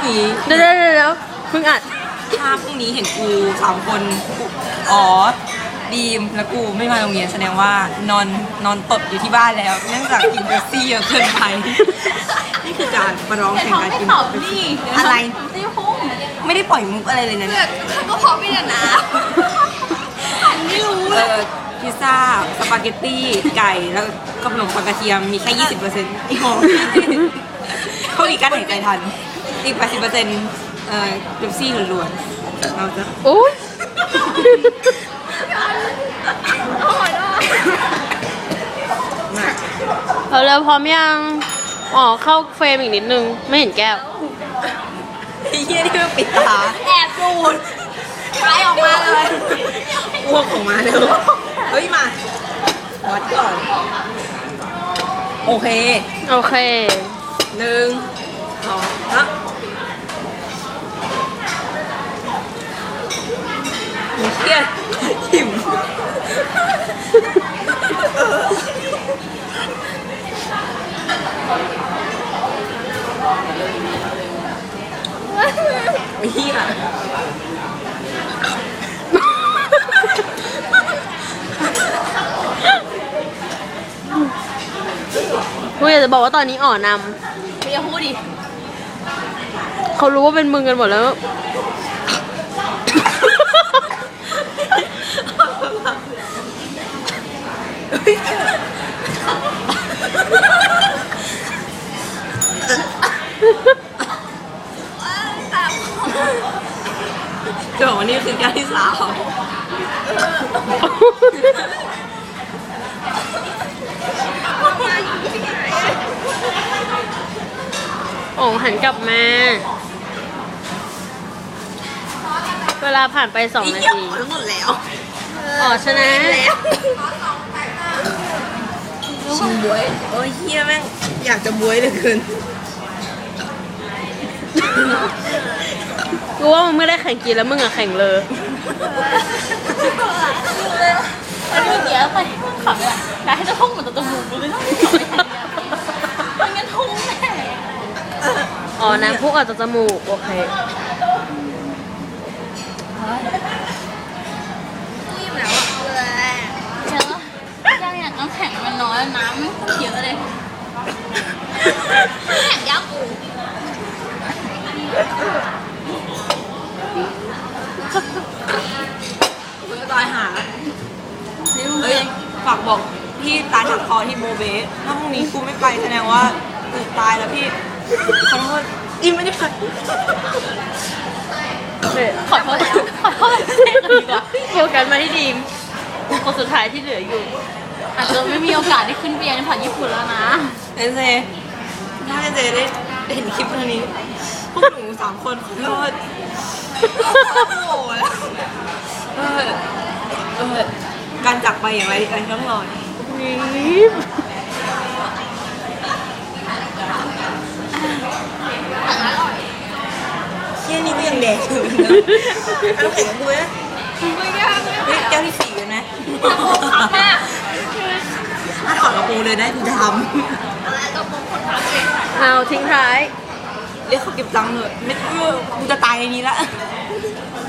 นี้เดี๋ยวเพิ่งอัดถ้าพรุ่งนี้เห็นกู3 คนอ๋อดีมและกูไม่มาโรงเรียนแสดงว่านอนตดอยู่ที่บ้านแล้วเนื่องจากกินเบปซี่เยอะเกินไปนี่คือการประลองแข่งการกินอะไรไม่ได้ปล่อยมุกอะไรเลยนะเนี่ยก็พอไม่ได้นะไม่รู้พิซซ่าสปาเกตตี้ไก่แล้วก็ขนมปังกระเทียมมีแค่ 20%อีกของเขาดีกันหายใจทันอีก 80%เบปซี่ล้วนๆเราจะโอ้ยเราเร็วพร้อมยังอ๋อเข้าเฟรมอีกนิดนึงไม่เห็นแก้วไอ้เหี้ยนี่มันปิดตาแอบดูดไล่ออกมาเลยอ้วกออกมาเร็วเฮ้ยมาวัดก่อนโอเค 1 2 ฮะเหี้ยหิวไอ้เหี้ยกูอยากจะบอกว่าตอนนี้อ่อนไม่อย่าพูดดิเขารู้ว่าเป็นมึงกันหมดแล้วจะบอกว่านี่คือการที่3 โอ่งหันกลับมาเวลาผ่านไป2 นาทีทั้งหมดแล้วอ๋อชนะชิมบวยโอ้ยเฮียแม่งอยากจะบวยเหลือเกินกูว่ามึงไม่ได้แข่งกินแล้วมึงอะแข่งเลยอันนี้เมื่อกี้ไปขับเลยแล้วให้เจ้าท่องเหมือนตัวมูเลยมันงั้นทุ่งแน่อ๋อน้ำพุออกจากจมูกโอเครีบแล้วเลยเจอยังอยากน้ำแข็งมันน้อยน้ำไม่เยอะเลยแข็งยักษ์กูตายหาเฮ้ยฝากบอกพี่ตาถักคอที่โมเบสถ้าพรุ่งนี้กูไม่ไปแสดงว่ากูตายแล้วพี่ขอโทษอินไม่ได้ไปขอโทษดีกว่าโฟกัสมาที่ดีมคนสุดท้ายที่เหลืออยู่อาจจะไม่มีโอกาสได้ขึ้นเบียร์ในผ่านญี่ปุ่นแล้วนะเจถ้าเจได้เห็นคลิปนี้พวกหนู3 คนขอโทษโอ้ยการจากไปอย่างไรต้องรอเชี่ยนี่ก็ยังแดกอยู่นะเอาแข็งกูนะแก้วที่4กันนะถ้าถอดกระโปรงเลยได้กูทำเอาทิ้งท้ายเรียกเขาเก็บตังค์เถอะไม่กูจะตายในนี้ละ